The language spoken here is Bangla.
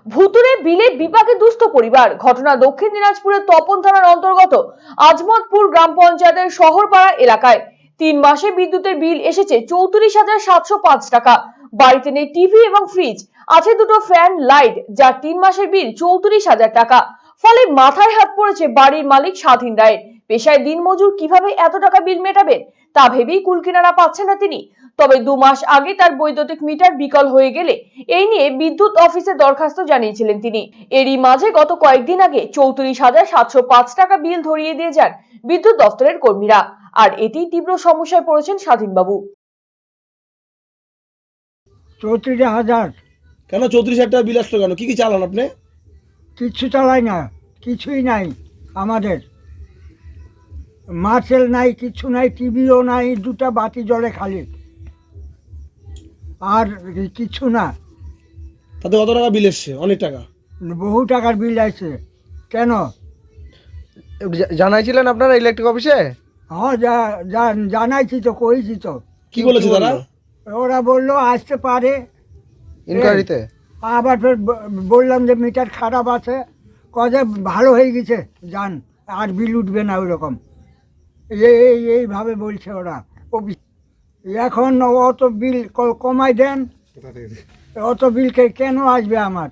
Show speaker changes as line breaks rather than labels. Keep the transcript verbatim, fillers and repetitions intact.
ভুতুরে বিলে বিপাকে দুস্থ পরিবার। ঘটনা দক্ষিণ দিনাজপুরের তপন থানার অন্তর্গত আজমতপুর গ্রাম পঞ্চায়েতের শহরপাড়া এলাকায়। তিন মাসে বিদ্যুতের বিল এসেছে চৌত্রিশ হাজার সাতশো পাঁচ টাকা। বাড়িতে নেই টিভি এবং ফ্রিজ, আছে দুটো ফ্যান, লাইট, যার তিন মাসের বিল চৌত্রিশ হাজার টাকা। ফলে মাথায় হাত পড়েছে বাড়ির মালিক স্বাধীন রায়। পেশায় দিনমজুর, কিভাবে এত টাকা বিল মেটাবেন তা ভেবেই কুলকিনারা পাচ্ছেন না তিনি। তবে দু মাস আগে তার বৈদ্যুতিক মিটার বিকল হয়ে গেলে এই নিয়ে বিদ্যুৎ অফিসে দরখাস্ত জানিয়েছিলেন তিনি। এরই মাঝে গত কয়েকদিন আগে চৌত্রিশ হাজার সাতশো পাঁচ টাকা বিল ধরিয়ে দিয়ে যান বিদ্যুৎ দপ্তরের কর্মীরা। আর এটি তীব্র সমস্যায় পড়েছেন স্বাধীনবাবু।
চৌত্রিশ হাজার
কেন চৌত্রিশ হাজার টাকা বিল আসলো কেন? কি কি চালান আপনি?
কিচ্ছু চালাই না, কিছুই নাই আমাদের। মার্সেল নাই, কিছু নাই, টিভিও নাই, দুটা বাতি জ্বলে খালি, আর কিছু না।
তাতে কত টাকা বিল এসছে? অনেক টাকা।
বহু টাকার বিল আছে। কেন?
জা- জানাইছিলেন আপনারা ইলেকট্রিক অফিসে?
হ্যাঁ, যা যা- জানাইছি তো, কইছি তো।
কি বলেছে তারা?
ওরা বললো আসতে পারে
ইনকোয়ারিতে?
আবার ফের ব- বললাম যে মিটার খারাপ আছে, কজে ভালো হয়ে গেছে, যান আর বিল উঠবে না ওইরকম। এই এই- এইভাবে বলছে ওরা অফিস। এখন অত বিল ক- কমাই দেন, অত বিল কে- কেন আসবে আমার?